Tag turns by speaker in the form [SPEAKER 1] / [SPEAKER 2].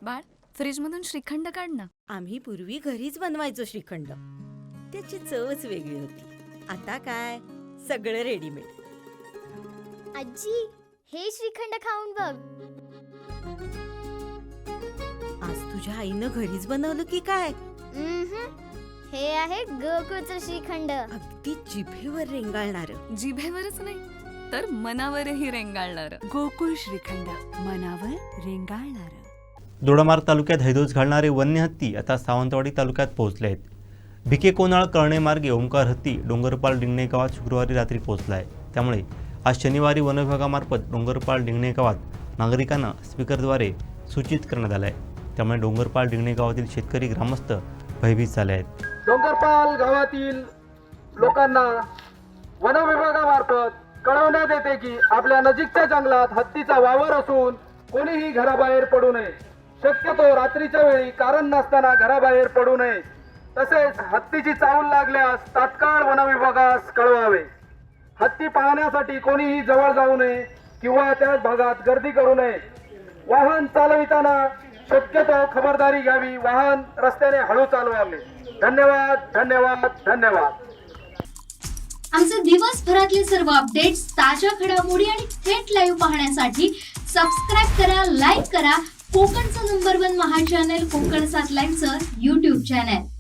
[SPEAKER 1] बाळ, फ्रीजमधून श्रीखंड काढ ना.
[SPEAKER 2] आम्ही पूर्वी घरीच बनवायचो श्रीखंड. त्याची चवच वेगळी होती. आता काय सगळं रेडीमेड.
[SPEAKER 3] आजी, हे श्रीखंड खाऊन बघ.
[SPEAKER 2] आज तुझ्या आईनं घरीच बनवलं की काय?
[SPEAKER 3] हे आहे गोकुळचं श्रीखंड.
[SPEAKER 2] अगदी जिभेवर रेंगाळणार.
[SPEAKER 1] जिभेवरच नाही तर मनावरही रेंगाळणार.
[SPEAKER 4] गोकुळ श्रीखंड, मनावर रेंगाळणार.
[SPEAKER 5] दोडामार्ग तालुक्यात हैदोस घालणारे वन्य हत्ती आता सावंतवाडी तालुक्यात पोहोचले आहेत. भिके कोनाळ कळणे मार्गे ओंकार हत्ती डोंगरपाल डिंगणे गावात शुक्रवारी रात्री पोहोचला आहे. त्यामुळे आज शनिवारी वनविभागामार्फत डोंगरपाल डिंगणे गावात नागरिकांना स्पीकरद्वारे सूचित करण्यात आलं आहे. त्यामुळे डोंगरपाल डिंगणे गावातील शेतकरी ग्रामस्थ भयभीत झाले आहेत.
[SPEAKER 6] डोंगरपाल गावातील लोकांना वनविभागामार्फत कळवण्यात येते की आपल्या नजीकच्या जंगलात हत्तीचा वावर असून कोणीही घराबाहेर पडू नये. शक्यतो रात्रीच्या वेळी कारण नसताना घराबाहेर पडू नये. तसेच हत्तीची चावल लागल्यास तात्काळ वनविभागास कळवावे. हत्ती पाहण्यासाठी कोणीही जवळ जाऊ नये किंवा त्याच भागात गर्दी करू नये. वाहन चालविताना शक्यतो खबरदारी घ्यावी. वाहन रस्त्याने हळू चालवावे. धन्यवाद धन्यवाद धन्यवाद.
[SPEAKER 7] आमचे दिवसभरातले सर्व अपडेट्स, ताज्या घडामोडी आणि थेट लाईव्ह पाहण्यासाठी सबस्क्राईब करा, लाईक करा कोकणचं नंबर 1 महा चॅनल कोकण 7 लाईव्हचं YouTube चॅनल.